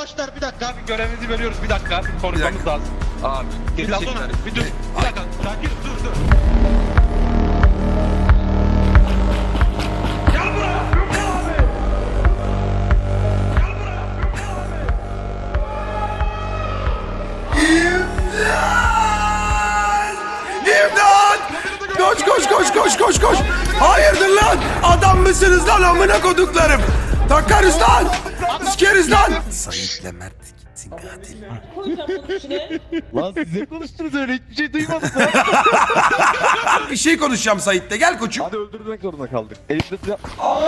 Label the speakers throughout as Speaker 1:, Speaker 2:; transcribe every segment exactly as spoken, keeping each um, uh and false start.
Speaker 1: Arkadaşlar bir dakika.
Speaker 2: Abi görevimizi veriyoruz bir dakika. Konuşmamız lazım. Abi.
Speaker 1: Bir dakika. Bir dur. Bir dakika. Sakin dur dur. Gel buraya. Yok abi. Gel buraya.
Speaker 3: İmdat! Koş koş koş koş koş koş! Hayırdır lan? Adam mısınız lan amına koduklarım? Takarız lan! Sikeriz lan! Sayit'le Mert gitsin katil.
Speaker 2: Lan siz ne konuştunuz öyle hiçbir şey duymadık lan.
Speaker 3: Bir şey konuşacağım Sayit'le, gel koçum.
Speaker 2: Hadi öldürmek zorunda kaldık. Elimde silah.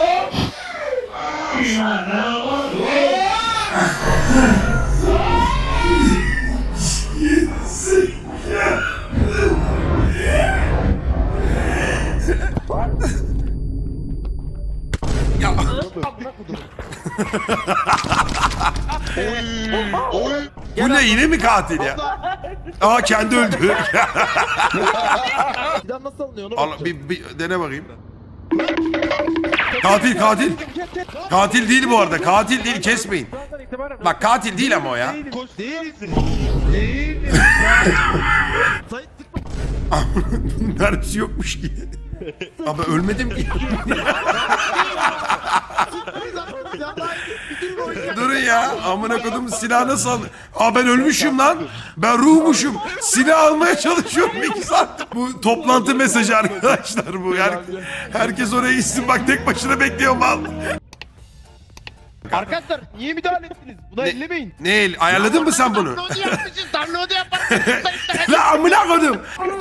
Speaker 3: Ya. Bu ne, yine mi katil ya? Aa, kendi öldü.
Speaker 2: Silah nasıl alınıyor onu
Speaker 3: Al, bir, bir dene bakayım. Katil katil. Katil değil bu arada. Katil değil, kesmeyin. Bak katil değil ama o ya.
Speaker 1: Koş değilsin. Değil.
Speaker 3: Mermisi yokmuş ki. Ama ölmedim ki. Durun ya. Amına kodum, silah nasıl al? Aa, ben ölmüşüm lan. Ben ruhmuşum. Silah almaya çalışıyorum iki saat. Bu toplantı mesajı arkadaşlar bu. Her, herkes oraya gitsin. Bak tek başına bekliyorum al.
Speaker 2: Arkadaşlar niye müdahale ettiniz? Buna
Speaker 3: Ne-
Speaker 2: ellemeyin.
Speaker 3: Ne el? Ayarladın mı sen bunu?
Speaker 4: Download'u yapmışız, download'u yaparsın.
Speaker 3: La amına kodum.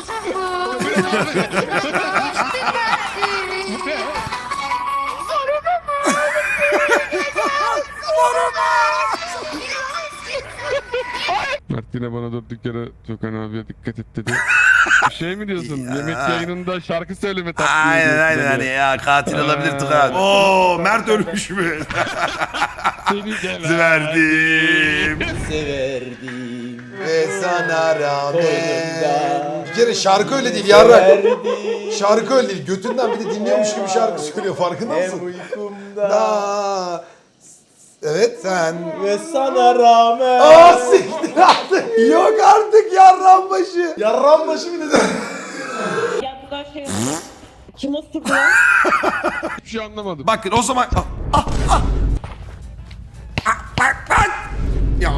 Speaker 5: Mert yine bana durduk yere Gökhan abiye dikkat et dedi. Bir şey mi diyorsun? Yemek yayınında şarkı söyleme taktiği
Speaker 3: Aynen
Speaker 5: diyorsun
Speaker 3: aynen
Speaker 5: hani.
Speaker 3: hani ya, katil olabilir Tukan. Oo, Mert ölmüş mü?
Speaker 5: Seni gelen.
Speaker 3: Verdim.
Speaker 6: Severdim.
Speaker 3: Ve sana rağmen.
Speaker 6: Boynumda.
Speaker 3: Bir kere şarkı öyle değil yarrak.
Speaker 6: Severdim.
Speaker 3: Şarkü öyle değil. Götünden bir de dinliyormuş gibi şarkı söylüyor, farkında
Speaker 6: Hem
Speaker 3: mısın?
Speaker 6: uykumda.
Speaker 3: Da. Evet sen.
Speaker 6: Ve sana rağmen.
Speaker 3: Aa, siktir artık. Yok artık yarran başı. Yarran başı bir de.
Speaker 7: Ya bu kadar şey kim osurdu lan?
Speaker 5: Hiçbir şey anlamadım.
Speaker 3: Bakın o zaman. Ah, ah, ah. Ah, bak bak. Ya.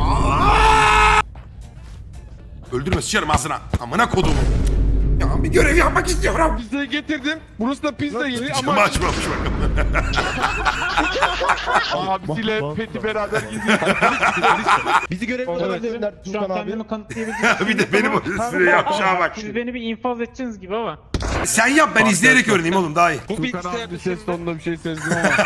Speaker 3: Öldürme, sıçarım ağzına. Amına kodumu. Ya bir görev yapmak istiyorum.
Speaker 5: Pizzayı getirdim. Burası da pizza yeri
Speaker 3: Ama
Speaker 5: ama
Speaker 3: açmamış bakalım.
Speaker 5: abisiyle Peti beraber gidiyor.
Speaker 2: Bizi görevden verdiler
Speaker 8: Şu an
Speaker 2: Tukan abi.
Speaker 8: kendimi kanıtlayabileceğim.
Speaker 3: Bir de benim o üstüne yapacağım bak.
Speaker 8: Siz beni bir infaz edeceksiniz gibi ama.
Speaker 3: Sen yap, ben izleyerek öğreneyim oğlum, daha iyi.
Speaker 5: Tukan abi bir ses tonunda bir şey sezdim ama.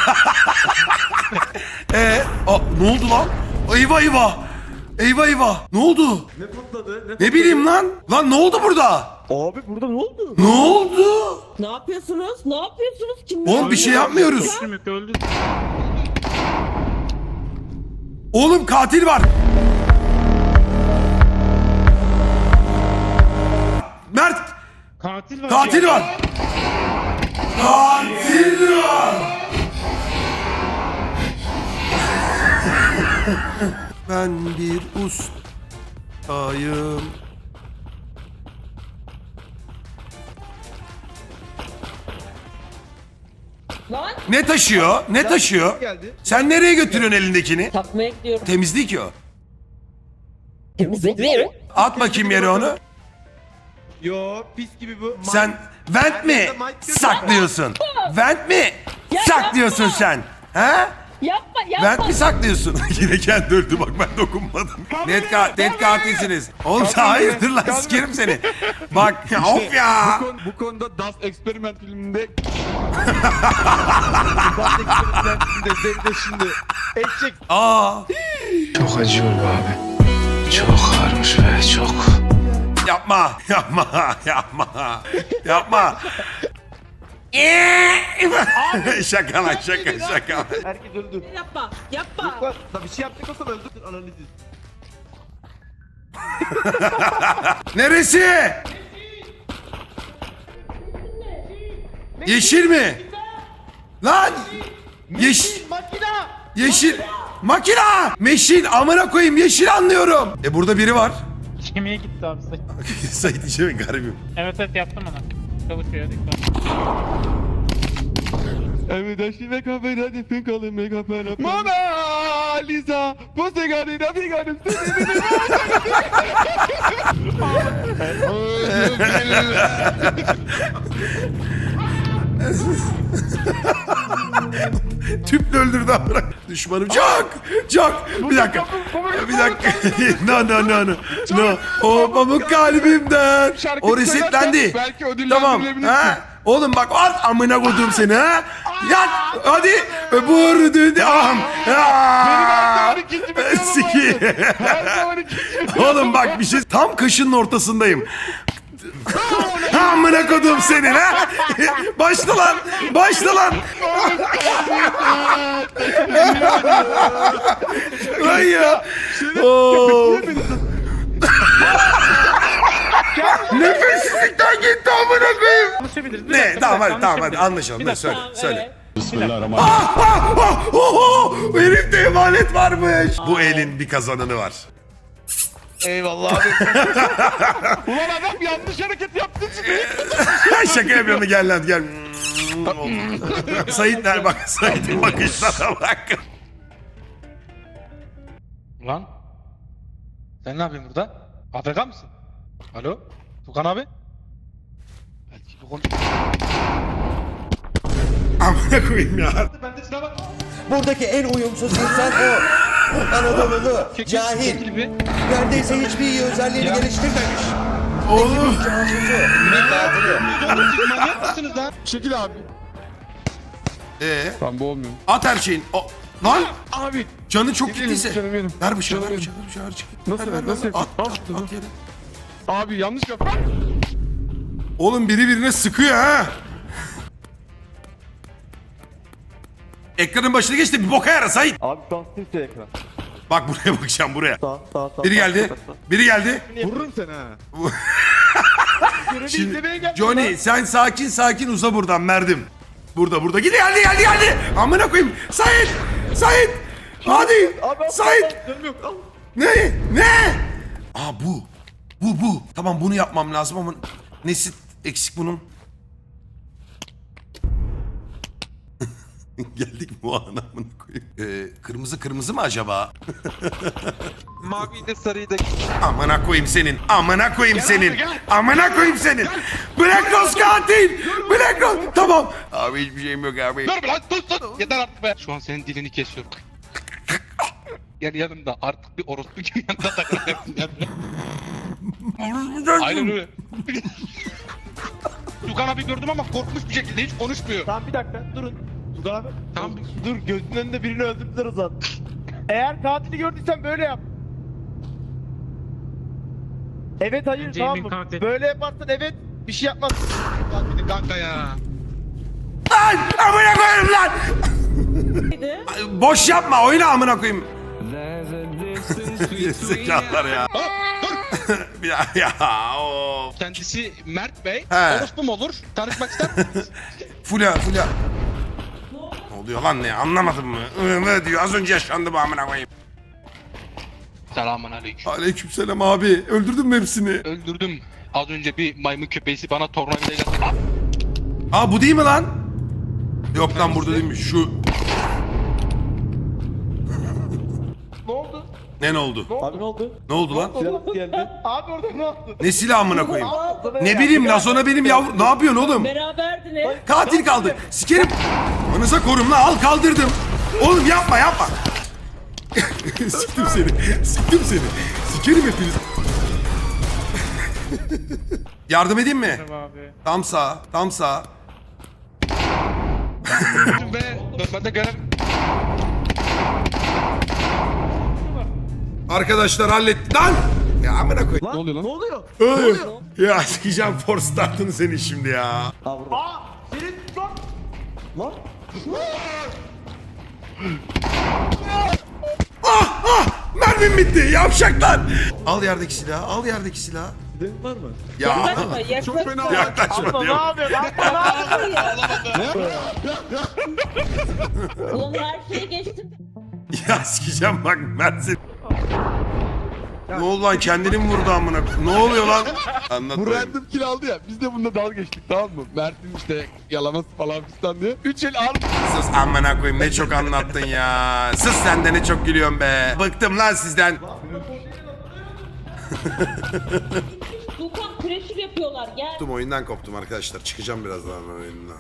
Speaker 3: Ee, a, ne oldu lan? Eyvah eyvah. Eyvah eyvah. Ne oldu? Ne patladı? Ne, bileyim lan. Lan ne oldu burada?
Speaker 2: Abi burada ne oldu?
Speaker 3: Ne oldu?
Speaker 7: Ne yapıyorsunuz? Ne yapıyorsunuz? Kim?
Speaker 3: Oğlum bir şey yapmıyoruz.
Speaker 8: Öldüm yok öldü.
Speaker 3: Oğlum katil var. Mert,
Speaker 8: Katil var.
Speaker 3: katil var. Katil var. Ben bir ustayım.
Speaker 7: Lan
Speaker 3: Ne taşıyor? Ne taşıyor?
Speaker 2: Geldi.
Speaker 3: Sen nereye götürüyorsun elindekini?
Speaker 7: takmaya gidiyorum.
Speaker 3: Temizlik o.
Speaker 7: Temizlik mi?
Speaker 3: At bakayım yere onu.
Speaker 2: Yo pis gibi bu.
Speaker 3: Sen vent mi saklıyorsun? Vent mi saklıyorsun sen? Ha?
Speaker 7: Yapma yapma.
Speaker 3: Vent mi saklıyorsun? Yine kendi öldü bak, ben dokunmadım. Net, ka net katilsiniz. Oğlum sen hayırdır lan, sikerim seni. Bak ya, of ya.
Speaker 5: Bu, konu, bu konuda Das Experiment filminde
Speaker 2: Das eksperimentinde zevde şimdi. Eşek.
Speaker 3: Aa,
Speaker 9: Çok acıyor be abi. Çok ağırmış be çok.
Speaker 3: yapma, yapma, yapma, yapma. Şaka lan, şaka şaka.
Speaker 2: Herkes öldü.
Speaker 7: Yapma. Yapma.
Speaker 2: Lan da bir şey yapacak olsam öldürdün analizi.
Speaker 3: Neresi? Yeşil mi? Lan! Yeşil.
Speaker 2: Makina.
Speaker 3: Yeşil. Makina! Meşin amına koyayım yeşil anlıyorum. E burada biri var.
Speaker 8: Kemiğe gitti abi sayı.
Speaker 3: Sait işe mi garibim?
Speaker 8: Evet evet yaptım onu. Çalışıyor dikkat.
Speaker 5: Evet aşkına kafana defin kalın mega fena. Mona Lisa. Poste garina bir garip.
Speaker 3: Tüple öldürdü amına. Düşmanım çok çok. Bir dakika. Bir dakika. No no no no. No. O pamuk kalbimden. O resetlendi.
Speaker 5: Belki
Speaker 3: Tamam.
Speaker 5: ödüllendirilebilirsin.
Speaker 3: Ha. Oğlum bak at amına koydum seni ha. Yat. Hadi. Vur dedi. Aham.
Speaker 5: her zaman ikinci bir yolum
Speaker 3: Siki.
Speaker 5: Her zaman ikinci bir
Speaker 3: Oğlum bak bir şey. Tam kaşının ortasındayım. Amına kodum senin ha. Başla lan. Başla lan. Ay ya. Oo. Nefessizlikten gitti amına koyayım.
Speaker 8: Konuşabiliriz. Bir
Speaker 3: Ne?
Speaker 8: dakika, bir
Speaker 3: Tamam
Speaker 8: dakika,
Speaker 3: hadi tamam hadi
Speaker 8: konuşabiliriz.
Speaker 3: anlaşalım.
Speaker 8: Bir
Speaker 3: Ne
Speaker 8: dakika.
Speaker 3: söyle söyle.
Speaker 7: Evet.
Speaker 3: Ah, ah, ah, oh, oh, herifte emanet varmış. Bu elin bir kazananı var.
Speaker 2: Eyvallah abi.
Speaker 5: Ulan adam yanlış hareket yaptı şimdi.
Speaker 3: Şaka yapıyorum gel lan gel. Sait der bak Sait'in bakışlara bak.
Speaker 1: Lan. Sen ne yapıyorsun burada? A F K mısın? Alo? Tukan abi? Belki bu konu...
Speaker 3: Amına koyayım ya.
Speaker 1: Bende silah var.
Speaker 6: Buradaki en uyumsuz insan o. Anadolu'lu, cahil. Neredeyse hiçbir iyi özelliğini geliştirmemiş.
Speaker 3: Oğlum.
Speaker 6: Casusu, bir katili.
Speaker 1: Siz manyak mısınız lan?
Speaker 5: Çekil abi.
Speaker 3: Ee,
Speaker 5: Tamam bu olmuyor.
Speaker 3: at her şeyin. O, lan
Speaker 5: Abi.
Speaker 3: canı çok
Speaker 5: Gidelim,
Speaker 3: gittiyse.
Speaker 5: canım benim.
Speaker 3: Ver bıçağı ver
Speaker 5: Canım
Speaker 3: bıçağı ver bıçağı ver bıçağı.
Speaker 5: Nasıl
Speaker 3: Ver,
Speaker 5: ver,
Speaker 3: ver,
Speaker 5: nasıl
Speaker 3: ver.
Speaker 5: yapayım?
Speaker 3: At,
Speaker 5: Al
Speaker 3: at,
Speaker 5: şunu.
Speaker 3: at yere.
Speaker 5: Abi yanlış yap.
Speaker 3: Oğlum biri birine sıkıyor ha. Ekranın başına geç de bir boka yara Sait.
Speaker 2: Abi şu an simsiyah ekran.
Speaker 3: Bak buraya bakacağım buraya.
Speaker 2: Sağ sağ sağ.
Speaker 3: Biri geldi. Biri geldi.
Speaker 5: Vururum seni ha.
Speaker 3: Şimdi Johnny sen sakin sakin uza buradan merdim. Burada burada. Gidi geldi geldi geldi. Amına koyayım. Sait. Sait. Hadi. Sait. Ne? Ne? Aa bu. Bu bu. Tamam bunu yapmam lazım ama nesi eksik bunun? Geldik mi o ana amına koyayım? Ee, kırmızı kırmızı mı acaba?
Speaker 1: Maviyi de sarıyı da...
Speaker 3: Amına koyayım senin. Amına koyayım senin. Amına koyayım senin. Black Rose katil. Black Rose. Tamam. Abi hiçbir şeyim yok abi.
Speaker 1: Dur lan dur dur. Yeter artık be. Şu an senin dilini kesiyorum. Gel yanımda artık bir orospu gibi yanında takılacaksın. Aynen öyle. Tukan abi gördüm ama korkmuş bir şekilde hiç konuşmuyor.
Speaker 2: Tamam bir dakika durun. Dur abi.
Speaker 1: Tamam.
Speaker 2: Dur gözünün önünde birini öldürdüler o zaman. Eğer katili gördüysen böyle yap. Evet hayır
Speaker 8: Jamie
Speaker 2: tamam mı?
Speaker 8: katil.
Speaker 2: Böyle yaparsan evet bir şey yapmaz.
Speaker 1: Lan kanka ya.
Speaker 3: Lan amına koyayım lan.
Speaker 7: Neydi?
Speaker 3: Boş yapma oyna amına koyayım. Zekalar ya.
Speaker 1: Hop dur.
Speaker 3: ya ya of.
Speaker 1: Kendisi Mert Bey.
Speaker 3: He.
Speaker 1: Orospu mu olur? Tanışmak ister misiniz?
Speaker 3: Fulya Fulya. Ne oluyor lan ne anlamadın mı? Ne diyor az önce yaşandı bu amına koyayım.
Speaker 1: Selamun aleyküm.
Speaker 3: Aleykümselam abi. Öldürdün mü hepsini?
Speaker 1: Öldürdüm. Az önce bir maymun köpeğisi bana tornavidayla...
Speaker 3: Aa bu değil mi lan? Yok lan burada değilmiş şu.
Speaker 2: Ne oldu?
Speaker 3: Ne ne oldu?
Speaker 2: Abi ne oldu?
Speaker 3: Ne oldu lan?
Speaker 2: Silah geldi. Abi orada ne oldu?
Speaker 3: Ne silah amına koyayım?
Speaker 2: Aa,
Speaker 3: Ne bileyim Lazona benim yavrum. Ne yapıyorsun oğlum?
Speaker 7: Beraberdiniz.
Speaker 3: Katil kaldı. Sikerim. Manıza korum lan al kaldırdım. Oğlum yapma yapma. Siktim seni. Siktim seni. Sikerim hepiniz. Yardım edeyim mi?
Speaker 8: Abi.
Speaker 3: Tam sağ. Tam sağ.
Speaker 1: Ve normalde görev...
Speaker 3: Arkadaşlar halletti. Lan! Ya amına koy.
Speaker 5: Ne oluyor lan?
Speaker 2: Ne oluyor?
Speaker 3: Öyle. Ya sikeceğim force startını seni şimdi ya.
Speaker 2: Aa burada. Aa! Senin lan! Lan!
Speaker 3: Ah ah! Mermim bitti yavşaklar. Al yerdeki silahı. Al yerdeki silahı.
Speaker 2: Senin var mı?
Speaker 3: Ya
Speaker 7: Yaklaşma, yaklaşma.
Speaker 5: Çok fena.
Speaker 3: yaklaşma
Speaker 2: Abla ne
Speaker 3: diyor.
Speaker 2: yapıyorsun? Abla ne yapıyorsun?
Speaker 7: Ulan her şeye geçtim.
Speaker 3: Ya sikeceğim bak Mersin. Ne oldu lan kendini mi vurdu amına? Ne oluyor lan? Anlat
Speaker 5: Bu
Speaker 3: bakayım.
Speaker 5: random kill aldı ya. Biz de bununla dalga geçtik tamam mı? Mert'in işte yalaması falan fistan diye. Üç el al.
Speaker 3: Sus amına koyayım ne çok anlattın ya. Sus sen de ne çok gülüyorsun be. Bıktım lan sizden.
Speaker 7: Dukan pressure yapıyorlar gel.
Speaker 3: Koptum oyundan koptum arkadaşlar. Çıkacağım birazdan oyundan.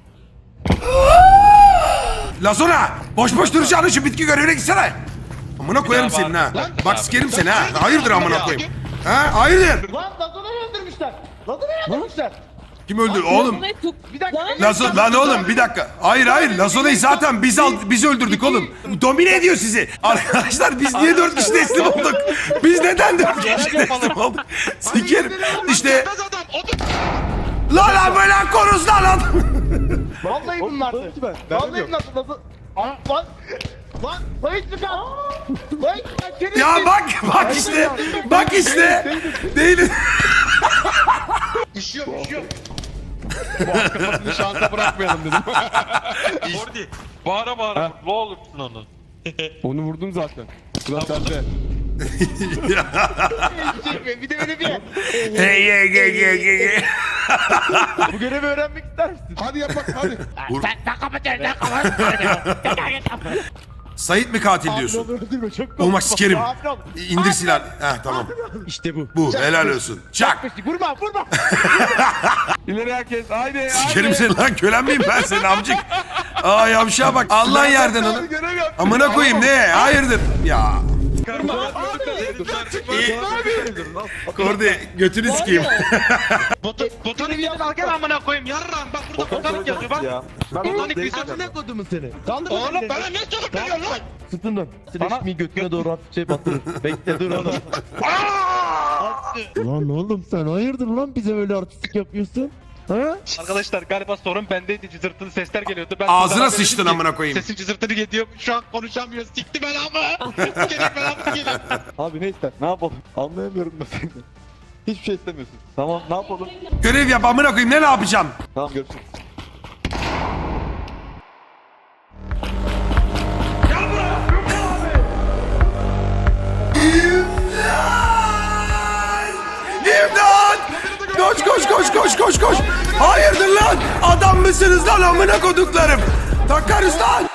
Speaker 3: Lazona! Boş boş duracağını şu bitki görevine gitsene. Amına koyarım senin ha. Bak sikerim seni ha. Hayırdır amına koyayım. Ha hayırdır.
Speaker 2: Lan Lazona'yı öldürmüşler. Lazona'yı öldürmüşler.
Speaker 3: Kim öldü oğlum?
Speaker 2: Bir dakika.
Speaker 3: Lazo, lan oğlum bir dakika. Hayır hayır Lazona'yı zaten biz al, biz öldürdük oğlum. Domine ediyor sizi. Arkadaşlar biz niye dört kişi teslim olduk? Biz neden dört kişi teslim olduk? Sikerim. İşte. Lan lan böyle koruz lan adam.
Speaker 2: Vallahi bunlardı. Vallahi bunlardı. Lazon... Aa, Lan. Lan. Sayın Dukan. Sayın Dukan. Senin
Speaker 3: Ya bak bak işte. Bak işte. Değil.
Speaker 5: Bu arkasını şansa bırakmayalım dedim.
Speaker 1: Ordi. Bağıra bağıra. Ne olursun onu.
Speaker 5: Onu vurdum zaten. Sıra sende.
Speaker 2: çekme. Bir de öyle bir.
Speaker 3: Hey hey hey hey hey.
Speaker 2: Bu görevi öğrenmek ister misin?
Speaker 5: Hadi yap bak hadi.
Speaker 4: Sen sen kapatıyorsun sen kapatıyorsun.
Speaker 3: Sait mi katil diyorsun?
Speaker 2: Öldürme çok
Speaker 3: Oğlum bak sikerim.
Speaker 2: Sakin ol.
Speaker 3: İndir silahını. Heh tamam.
Speaker 2: İşte bu.
Speaker 3: Bu helal olsun. Çak.
Speaker 2: Vurma vurma.
Speaker 5: İleri herkes haydi haydi.
Speaker 3: Sikerim seni lan kölen miyim ben senin amcık? Aa yavşağa bak. Allah yerden onu.
Speaker 5: Görev yap.
Speaker 3: Amına koyayım ne? Hayırdır? Ya. Kordi götünü sikeyim.
Speaker 1: Botanik bir al gel amına koyayım yarram. Bak burada botanik yazıyor bak. Botanik bir sözü.
Speaker 2: Ne kodumu seni? Kaldır
Speaker 1: Oğlum bana ne çabuk geliyorsun lan?
Speaker 2: Sırtından. Sileşmeyi götüne doğru hafifçe batırır. Bekle dur oğlum. Lan oğlum sen hayırdır lan bize böyle artistik yapıyorsun? Ha?
Speaker 1: Arkadaşlar galiba sorun bendeydi. Cızırtılı sesler geliyordu. Ben
Speaker 3: Ağzına
Speaker 1: sana
Speaker 3: sıçtın
Speaker 1: dedim ki,
Speaker 3: amına koyayım.
Speaker 1: Sesin cızırtılı geliyor. Şu an konuşamıyor. Sikti belamı. Gerek belamı geliyor.
Speaker 2: Abi ne ister? Ne yapalım? Anlayamıyorum ben seni. Hiçbir şey istemiyorsun. Tamam ne yapalım?
Speaker 3: Görev yap amına koyayım ne ne yapacağım?
Speaker 2: Tamam görüşürüz.
Speaker 3: İmdat! Koş koş koş koş koş koş. Hayırdır lan? Adam mısınız lan amına koduklarım? Takarız lan.